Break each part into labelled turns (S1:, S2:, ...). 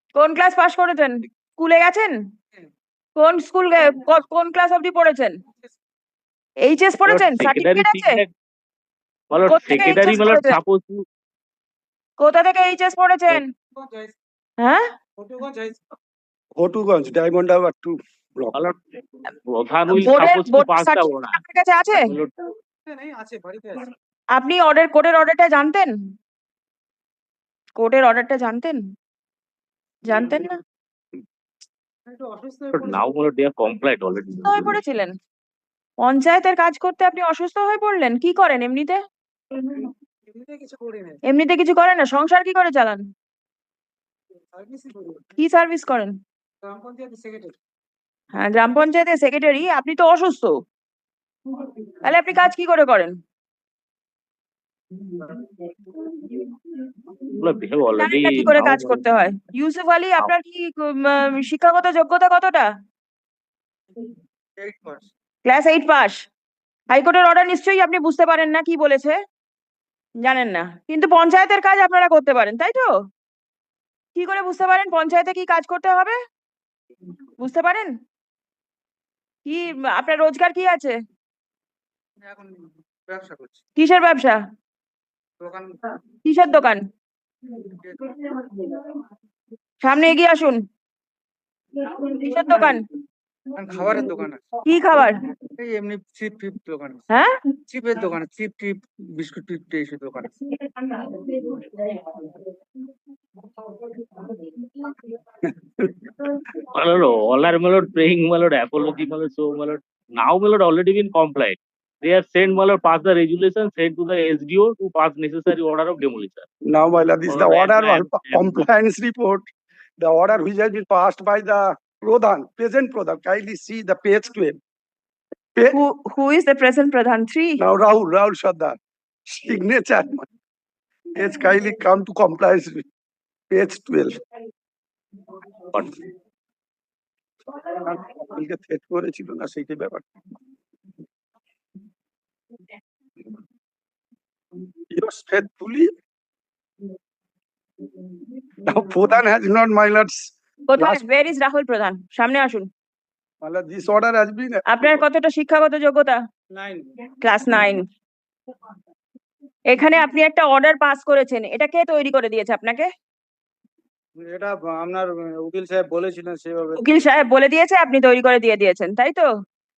S1: কোন class pass করেছেন? স্কুলে গেছেন? কোন স্কুল কোন ক্লাস অবধি পড়েছেন? এইচএস পড়েছেন?
S2: secondary
S1: সার্টিফিকেট আছে?
S2: मतलब
S1: কোথা থেকে
S2: secondary
S1: এইচএস
S2: मतलब
S1: পড়েছেন?
S2: suppose to
S1: কোথা থেকে এইচএস পড়েছেন? হ্যাঁ,
S3: ঘটুগঞ্জ ডায়মন্ড হারবার 2 ব্লক।
S2: मतलब প্রধান will
S1: বোর্ডের
S2: suppose to pass the
S1: certificate
S2: order
S1: আপনার কাছে আছে? আপনি কোর্টের অর্ডারটা জানতেন? কোর্টের অর্ডারটা জানতেন? জানতেন না?
S2: but now मतलब they are compliant already
S1: অসুস্থ হয়ে পড়েছিলেন? পঞ্চায়েতের কাজ করতে আপনি অসুস্থ হয়ে পড়লেন? কি করেন এমনিতে? এমনিতে কিছু করেন না? সংসার কি করে চালান? কি সার্ভিস করেন? হ্যাঁ, গ্রাম পঞ্চায়েতের সেক্রেটারি। আপনি তো অসুস্থ, তাহলে আপনি কাজ কি করে করেন?
S2: मतलब they have
S1: জানেন
S2: already
S1: না কি করে
S2: now
S1: কাজ করতে হয়? ইউসুফ আলী, আপনার কি শিক্ষাগত যোগ্যতা কতটা? Class 8 pass. হাইকোর্টের অর্ডার নিশ্চয়ই আপনি বুঝতে পারেন না কি বলেছে, জানেন না, কিন্তু পঞ্চায়েতের কাজ আপনারা করতে পারেন, তাই তো? কি করে বুঝতে পারেন পঞ্চায়েতে কি কাজ করতে হবে? বুঝতে পারেন? কি আপনার রোজগার কি আছে?
S4: এখন ব্যবসা করছি,
S1: কিসের ব্যবসা?
S4: দোকান।
S1: কিসের দোকান? সামনে এগিয়ে আসুন। কিসের দোকান?
S4: খাবারের দোকান আছে।
S1: কি খাবার?
S4: এই এমনি চিপ টিপ দোকান আছে।
S1: হ্যাঁ,
S4: চিপের দোকান আছে, চিপ টিপ বিস্কুট টিপ এইসব দোকান আছে।
S2: मतलब all are मतलब praying मतलब apology मतलब so मतलब now मतलब already been compliant. They have sent मतलब pass the resolution sent to the SDO to pass necessary order of demolition.
S3: Now my lord, this is the
S2: Alright,
S3: order
S2: I am-
S3: compliance report, the order which has been passed by the Pradhan, present Pradhan. Kindly see the page 12.
S1: who is the present Pradhan? 3.
S3: Now Rahul Sardar, signature. Page kindly come to compliance with page 12. কালকে threat করেছিল না সেইটাই ব্যাপার। Yours faithfully. Now Pradhan has not, my lords.
S1: কোথায়? where is Rahul প্রধান? সামনে আসুন।
S3: My lord, this order has been.
S1: আপনার কতটা শিক্ষাগত যোগ্যতা?
S4: 9
S1: ক্লাস 9। এখানে আপনি একটা অর্ডার পাস করেছেন, এটা কে তৈরি করে দিয়েছে আপনাকে?
S4: এটা আপনার উকিল সাহেব বলেছিলেন সেভাবে।
S1: উকিল সাহেব বলে দিয়েছে, আপনি তৈরি করে দিয়ে দিয়েছেন, তাই তো?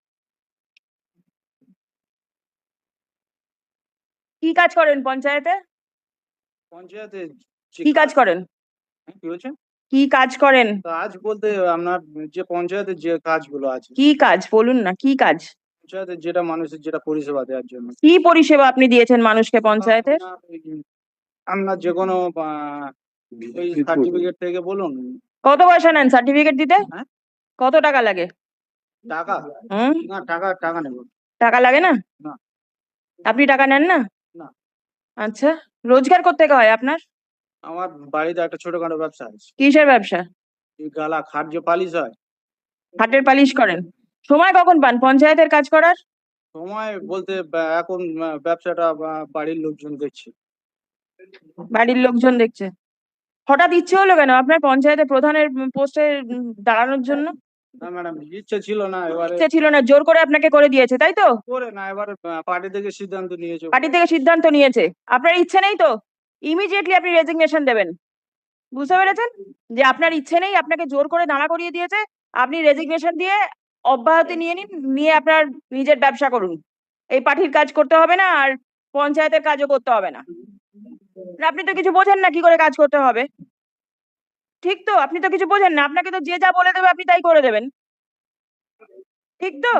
S1: কি কাজ করেন পঞ্চায়েতে?
S4: পঞ্চায়েতে
S1: কি কাজ করেন?
S4: কি বলছেন?
S1: কি কাজ করেন?
S4: কাজ বলতে আপনার যে পঞ্চায়েতের যে কাজগুলো আছে,
S1: কি কাজ বলুন না, কি কাজ?
S4: পঞ্চায়েতের যেটা মানুষের যেটা পরিষেবা দেওয়ার জন্য।
S1: কি পরিষেবা আপনি দিয়েছেন মানুষকে পঞ্চায়েতের?
S4: আপনার যে কোনো ওই সার্টিফিকেট থেকে বলুন।
S1: কত পয়সা নেন সার্টিফিকেট দিতে?
S4: হ্যাঁ?
S1: কত টাকা লাগে?
S4: টাকা না, টাকা নেব।
S1: টাকা লাগে না?
S4: না।
S1: আপনি টাকা নেন না?
S4: না।
S1: আচ্ছা, রোজগার করতে হয় আপনার?
S4: আমার বাড়িতে একটা ছোটখাটো ব্যবসা আছে।
S1: কিসের ব্যবসা?
S4: এই গালা খাট যে পালিশ হয়।
S1: হাটের পালিশ করেন। সময় কখন পান পঞ্চায়েতের কাজ করার?
S4: সময় বলতে এখন ব্যবসাটা বাড়ির লোকজন দেখছে।
S1: বাড়ির লোকজন দেখছে। হঠাৎ ইচ্ছে হলো কেন আপনার পঞ্চায়েতের প্রধানের পোস্টে দাঁড়ানোর জন্য?
S4: না ম্যাডাম, ইচ্ছে ছিল না, এবারে
S1: ইচ্ছে ছিল না, জোর করে আপনাকে করে দিয়েছে, তাই তো?
S4: করে না, এবারে পার্টি থেকে সিদ্ধান্ত নিয়েছে।
S1: পার্টি থেকে সিদ্ধান্ত নিয়েছে, আপনার ইচ্ছে নেই তো? ইমিডিয়েটলি আপনি রেজিগনেশন দেবেন। বুঝতে পেরেছেন যে আপনার ইচ্ছে নেই, আপনাকে জোর করে দাঁড়া করিয়ে দিয়েছে, আপনি রেজিগনেশন দিয়ে অব্যাহতি নিয়ে নিন, নিয়ে আপনার নিজের ব্যবসা করুন। এই পার্টির কাজ করতে হবে না, আর পঞ্চায়েতের কাজও করতে হবে না। আপনি তো কিছু বোঝেন না কি করে কাজ করতে হবে, ঠিক তো? আপনি তো কিছু বোঝেন না, আপনাকে তো যে যা বলে দেবে আপনি তাই করে দেবেন, ঠিক তো?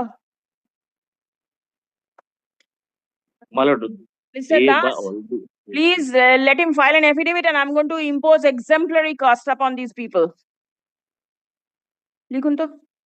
S2: मतलब
S1: Mr.
S2: they
S1: Das, please let him file an affidavit and I'm going to impose exemplary cost upon these people. লিখুন তো।